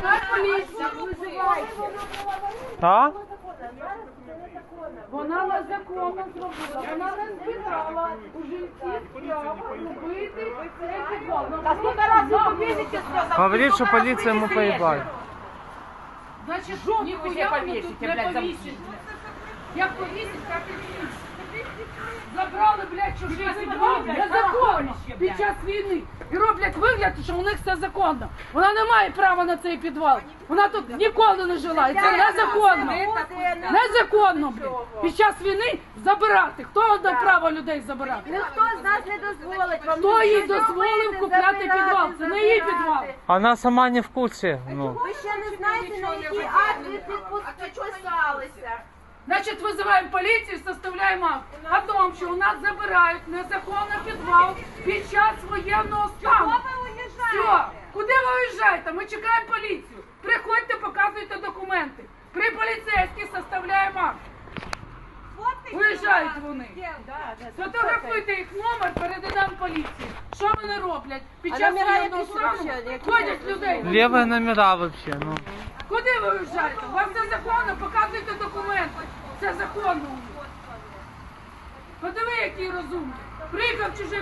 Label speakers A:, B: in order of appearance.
A: Поліція, визивайте.
B: Так?
A: Вона незаконно зробила. Вона не збирала у жінців право робити цей підвал.
C: А сколько раз вы повесите сразу?
B: Говорит, что полиция ему поебать.
A: Значить,
C: Жопу
A: ніхуя
C: ви
A: воно тут
C: повісите,
A: не
C: блядь,
A: повісить. Як повісить, так і повісить. Забрали, блядь, чужий підвал незаконно під час війни. І роблять вигляд, що у них все законно. Вона не має права на цей підвал. Вона тут ніколи не жила. І це незаконно. Незаконно, блядь. Під час війни забирати. Хто дав право людей забирати?
C: Ніхто з нас не дозволить вам.
A: Хто їй дозволив купляти підвал? Це не її підвал.
B: Она сама не в курсе. Ну.
C: Ви ще не знаєте, на який акт ви підписалися.
A: Значить, визиваємо поліцію, составляємо акт о тому, що у нас забирають незаконно підвал під час воєнного стану. Все, куди ви виїжджаєте? Ми чекаємо поліцію. Приходьте, показуйте документи. При поліцейських составляємо акт. Виїжджають вони. Сфотографуйте їх номер, передаємо поліції. Що вони роблять? Під час воєнного стану ходять людей.
B: Левые номера вообще, ну.
A: Куди ви виїжджаєте? У вас все законно, показуйте документи. Це законно. Подиви, який розумний. Приїхав чужий.